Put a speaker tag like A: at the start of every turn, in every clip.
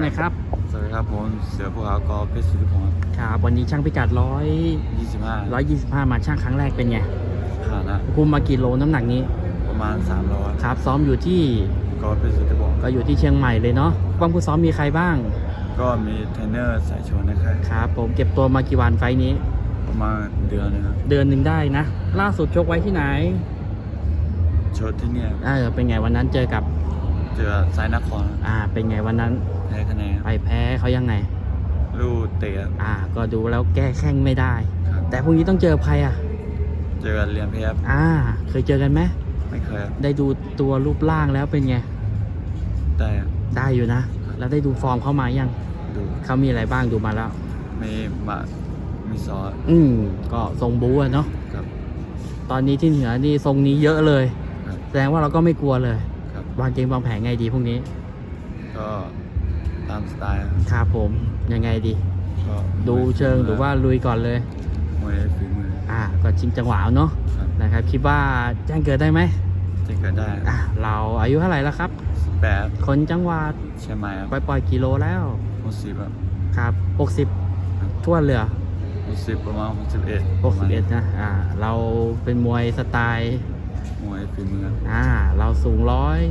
A: น่อยครับ
B: สวัสดีครับผมเสือภูเขากอเพชรสุริพงศ์
A: ครับวันนี้ช่างพิกัด
B: 25
A: มาช่างครั้งแรกเป็นไง
B: ผ่านนะ
A: คุมมากี่โลน้ำหนักนี้
B: ประมาณ300
A: ครับซ้อมอยู่ที่
B: กอเพชรสุริพงศ์
A: ก็อยู่ที่เชียงใหม่เลยเนาะความผู้ซ้อมมีใครบ้าง
B: ก็มีเทรนเนอร์สายชนนะครับ
A: ครับผมเก็บตัวมากี่วันไฟนี้
B: ประมาณเดือนนึงครับ
A: เดือนหนึ่งได้นะล่าสุดชกไว้ที่ไหน
B: ชดที่เนี่ย
A: เป็นไงวันนั้นเจอกับ
B: สายนคร
A: เป็นไงวันนั้น
B: แพ้คะแนน
A: ไปแพ้เขายังไง
B: ลูกเตะ
A: ก็ดูแล้วแก้แข้งไม่ได้แต่พรุ่งนี้ต้องเจอใคร
B: เจอเรียนเพชร
A: เคยเจอกันไหม
B: ไม่เคย
A: ได้ดูตัวรูปร่างแล้วเป็นไงได้อยู่นะแล้วได้ดูฟอร์มเขามายัง
B: ดู
A: เขามีอะไรบ้างดูมาแล้ว
B: มีซอส
A: ก็ทรงบู๊เนาะ
B: ครับ
A: ตอนนี้ที่เหนือนี่ทรงนี้เยอะเลยแสดงว่าเราก็ไม่กลัวเลยวางเกมวางแผนไงดีพรุ่งนี้
B: ก็ตามสไตล์
A: ครับผมยังไงดีดูเชิงหรือว่าลุยก่อนเลย
B: มวยฝีมือ
A: ก็ชิงจังหวะเนาะนะครับคิดว่าแจ้งเกิดได้ไหม
B: แจ้งเกิดได้
A: เราอายุเท่าไหร่แล้วครับ
B: 18
A: คนจังหวัด
B: เชียงใหม่
A: ปล่อยกิโลแล้ว
B: 60
A: ครับ60ทั่วเรือ
B: 60ประมาณ61
A: นะเราเป็นมวยสไตล์
B: มวยฝีมือ
A: เราสูง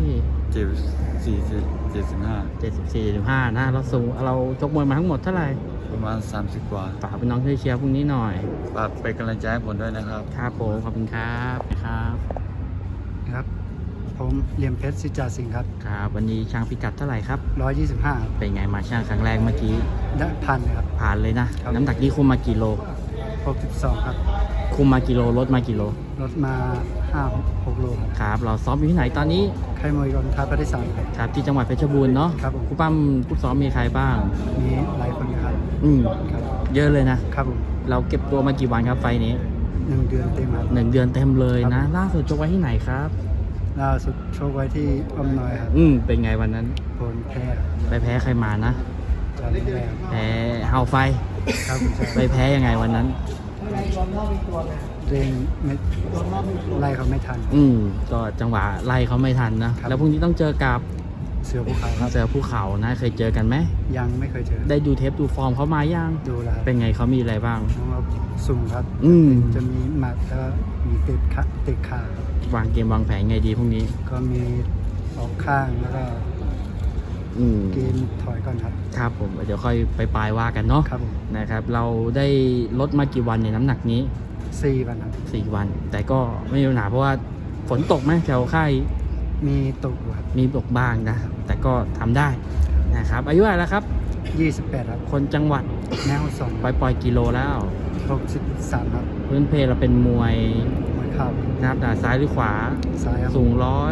B: 74-75
A: นะเราชกมวยมาทั้งหมดเท่าไหร่
B: ประมาณ30กว่า
A: ฝากเป็นน้องช่วยเชียร์พรุ่งนี้หน่อย
B: ฝากเป็นกำลังใจให้ผมด้วยนะครับ
A: ครับผมขอบคุณครับ
C: ครับผมเหลี่ยมเพชรสิจาสิงห์ครับ
A: ครับวันนี้ช่างพิกัดเท่าไหร่ครับ
C: 125
A: เป็นไงมาช่างครั้งแรกเมื่อกี้
C: ได้พันครับ
A: ผ่านเลยนะน้ำหนักนี้คุมมากี่โล
C: 62ครับ
A: คุมมากี่โลลดมากี่โล
C: ลดมา5-6 โล
A: ครับเราซ้อมอยู่ที่ไหนตอนนี้
C: ค่ายมวยกองทัพภาคที่ 3
A: ครับที่จังหวัดเพชรบูรณ์เนาะ
C: ครับผม
A: คู่ปั้มคู่ซ้อมมีใครบ้าง
C: มีหลายคนครับ
A: เยอะเลยนะครับ
C: ผม
A: เราเก็บตัวมากี่วันครับไฟนี้
C: 1 เดือนเต็มครับ
A: 1 เดือนเต็มเลยนะล่าสุดชกไว้ที่ไหนครับ
C: ล่าสุดชกไว้ที่อ้อมน้อยครับ
A: เป็นไงวันนั้น
C: ผลแพ้
A: ไปแพ้ใครมานะแพ้เฮาไฟ
C: ครับ
A: ไปแพ้ยังไงวันนั้น
C: เร่งไม่ไล่เขาไม่ทัน
A: ก็จังหวะไล่เขาไม่ทันนะแล้วพรุ่งนี้ต้องเจอกับ
C: เสือภูเขาครับ
A: เสือภูเขานะเคยเจอกันไหม
C: ยังไม่เคยเจอ
A: ได้ดูเทปดูฟอร์มเขามายัง
C: ดูแล้ว
A: เป็นไงเขามีอะไรบ้าง
C: เราสูงครับจะมีหมัดแล้วมีเตะขาว
A: างเกมวางแผนไงดีพรุ่งนี้
C: ก็มีออกข้างแล้วก็เกมถอยก่อน
A: ครับผมเดี๋ยวค่อยไปปลายว่ากันเนาะนะครับเราได้ลดมากี่วันในน้ำหนักนี้
C: 4 วันครับ
A: 4 วันแต่ก็ไม่มีปัญหาเพราะว่าฝนตกไหมแถวค่าย
C: มีตกครับ
A: มีตกบ้างนะแต่ก็ทำได้นะครับอายุอะไรแล้วครับ
C: 28ครับ
A: คนจังหวัด
C: แม่ฮ่องสอน
A: ปล่อยกิโลแล้ว
C: 63ครับ
A: พื้นเพเราเป็นมวย
C: ครับ
A: นะครับซ้ายหรือขวา
C: ซ้ายครับ
A: สูง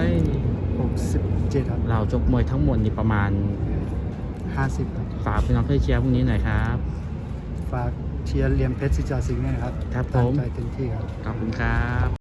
C: 167ครับ
A: เราชกมวยทั้งหมดนี่ประมาณ
C: 50ครับ
A: ฝากพี่น้องเพื่อเชียร์พรุ่งนี้หน่อยครับ
C: ฝากเชียร์เหลี่ยมเพชรสิจาสิงห์นะครับ
A: ครับผม
C: ใจเต็มที่ครับ
A: ขอบคุณครับ